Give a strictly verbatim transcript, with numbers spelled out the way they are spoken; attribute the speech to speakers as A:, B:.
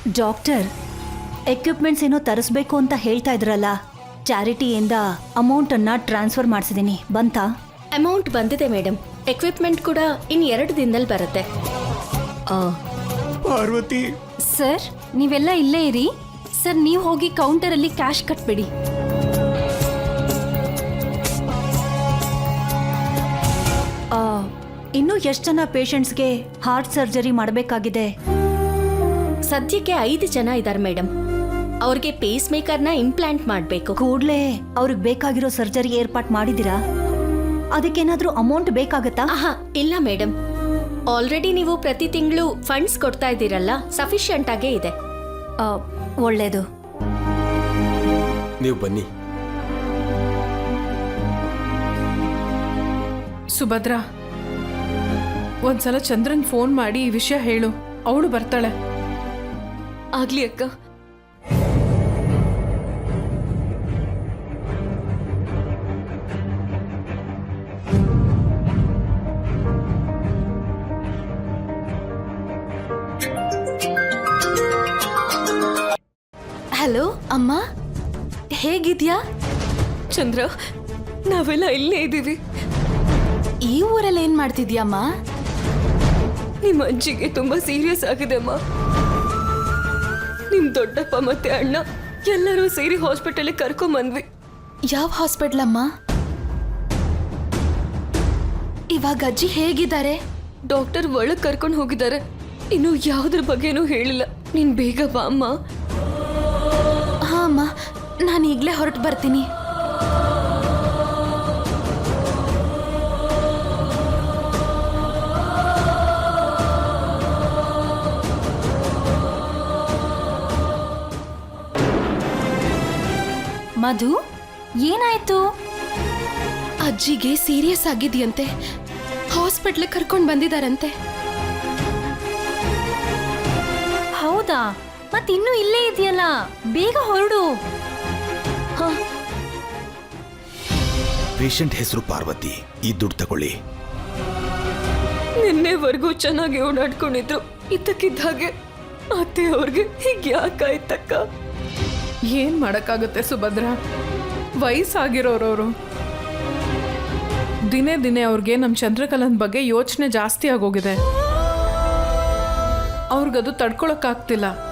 A: Doctor, equipments ಏನೋ ತರಿಸ್ಬೇಕು ಅಂತ ಹೇಳ್ತಾ ಇದ್ರಲ್ಲ, ಚಾರಿಟಿಯಿಂದ ಅಮೌಂಟನ್ನು ಟ್ರಾನ್ಸ್ಫರ್ ಮಾಡಿಸಿದ್ದೀನಿ, ಬಂತಾ?
B: ಅಮೌಂಟ್ ಬಂದಿದೆ ಮೇಡಮ್. ಎಕ್ವಿಪ್ಮೆಂಟ್ ಕೂಡ ಇನ್ ಎರಡು ದಿನದಲ್ಲಿ ಬರುತ್ತೆ.
C: ಪಾರ್ವತಿ
D: ಸರ್, ನೀವೆಲ್ಲ ಇಲ್ಲೇ ಇರಿ. ಸರ್, ನೀವು ಹೋಗಿ ಕೌಂಟರಲ್ಲಿ ಕ್ಯಾಶ್ ಕಟ್ಬಿಡಿ.
A: ಇನ್ನೂ ಎಷ್ಟು ಜನ ಪೇಷಂಟ್ಸ್ಗೆ ಹಾರ್ಟ್ ಸರ್ಜರಿ ಮಾಡಬೇಕಾಗಿದೆ?
B: ಸದ್ಯಕ್ಕೆ ಐದು ಜನ ಇದ್ದಾರೆ ಮೇಡಮ್. ಅವ್ರಿಗೆ ಪೇಸ್ ಮೇಕರ್ನ ಇಂಪ್ಲಾಂಟ್ ಮಾಡಬೇಕು.
A: ಕೂಡಲೇ ಅವ್ರಿಗೆ ಬೇಕಾಗಿರೋ ಸರ್ಜರಿ ಏರ್ಪಾಟ್ ಮಾಡಿದ್ದೀರಾ? ಅದಕ್ಕೇನಾದ್ರೂ ಅಮೌಂಟ್ ಬೇಕಾಗತ್ತಾ?
B: ಆಹಾ, ಇಲ್ಲ ಮೇಡಮ್. ಆಲ್ರೆಡಿ ನೀವು ಪ್ರತಿ ತಿಂಗಳು ಫಂಡ್ಸ್ ಕೊಡ್ತಾ ಇದ್ದೀರಲ್ಲ, ಸಫಿಷಿಯಂಟ್ ಆಗೇ ಇದೆ.
A: ಒಳ್ಳೇದು.
C: ನೀವು ಬನ್ನಿ.
E: ಸುಭದ್ರಾ, ಒಂದ್ಸಲ ಚಂದ್ರನ್ ಫೋನ್ ಮಾಡಿ ಈ ವಿಷಯ ಹೇಳು, ಅವಳು ಬರ್ತಾಳೆ.
D: ಆಗ್ಲಿ ಅಕ್ಕ. ಹಲೋ ಅಮ್ಮ, ಹೇಗಿದ್ಯಾ? ಚಂದ್ರ, ನಾವೆಲ್ಲ ಇಲ್ಲೇ ಇದ್ದೀವಿ. ಈ ಊರಲ್ಲಿ ಏನ್ ಮಾಡ್ತಿದ್ಯಮ್ಮ? ನಿಮ್ಮ ಅಜ್ಜಿಗೆ ತುಂಬಾ ಸೀರಿಯಸ್ ಆಗಿದೆ ಅಮ್ಮ. ನಿಮ್ ದೊಡ್ಡಪ್ಪ ಮತ್ತೆ ಅಣ್ಣ ಎಲ್ಲರೂ ಸೇರಿ ಹಾಸ್ಪಿಟಲ್ ಕರ್ಕೊಂಡ್ ಬಂದ್ವಿ. ಯಾವ ಹಾಸ್ಪಿಟಲ್ ಅಮ್ಮ? ಇವಾಗ ಅಜ್ಜಿ ಹೇಗಿದ್ದಾರೆ? ಡಾಕ್ಟರ್ ಒಳಗ್ ಕರ್ಕೊಂಡು ಹೋಗಿದ್ದಾರೆ. ಇನ್ನು ಯಾವ್ದ್ರ ಬಗ್ಗೆನೂ ಹೇಳಿಲ್ಲ. ನೀನ್ ಬೇಗ ಬಾ ಅಮ್ಮ. ಹಾ ಅಮ್ಮ, ನಾನು ಈಗ್ಲೇ ಹೊರಟು ಬರ್ತೀನಿ. ಮಧು, ಏನಾಯ್ತು? ಅಜ್ಜಿಗೆ ಸೀರಿಯಸ್ ಆಗಿದೆಯಂತೆ. ಹಾಸ್ಪಿಟ್ಲ್ ಕರ್ಕೊಂಡು ಬಂದಿದಾರಂತೆ. ಹೌದಾ? ಮತ್ತಿನ್ನೂ ಇಲ್ಲೇ ಇದೆಯಲ್ಲ, ಬೇಗ ಹೊರಡು.
F: ಪೇಷಂಟ್ ಹೆಸರು ಪಾರ್ವತಿ. ಈ ದುಡ್ಡು ತಗೊಳ್ಳಿ.
D: ನಿನ್ನೆವರೆಗೂ ಚೆನ್ನಾಗಿ ಓಡಾಡ್ಕೊಂಡಿದ್ರು, ಇದ್ದಕ್ಕಿದ್ದ ಹಾಗೆ ಅತ್ತೆ ಅವ್ರಿಗೆ ಹೀಗೆ ಯಾಕಾಯ್ತಕ್ಕ?
E: ಏನ್ ಮಾಡಕ್ಕಾಗುತ್ತೆ ಸುಭದ್ರಾ, ವಯಸ್ಸಾಗಿರೋರವರು. ದಿನೇ ದಿನೇ ಅವ್ರಿಗೆ ನಮ್ಮ ಚಂದ್ರಕಲನ್ ಬಗ್ಗೆ ಯೋಚನೆ ಜಾಸ್ತಿ ಆಗೋಗಿದೆ. ಅವ್ರಿಗದು ತಡ್ಕೊಳಕ್ಕಾಗ್ತಿಲ್ಲ.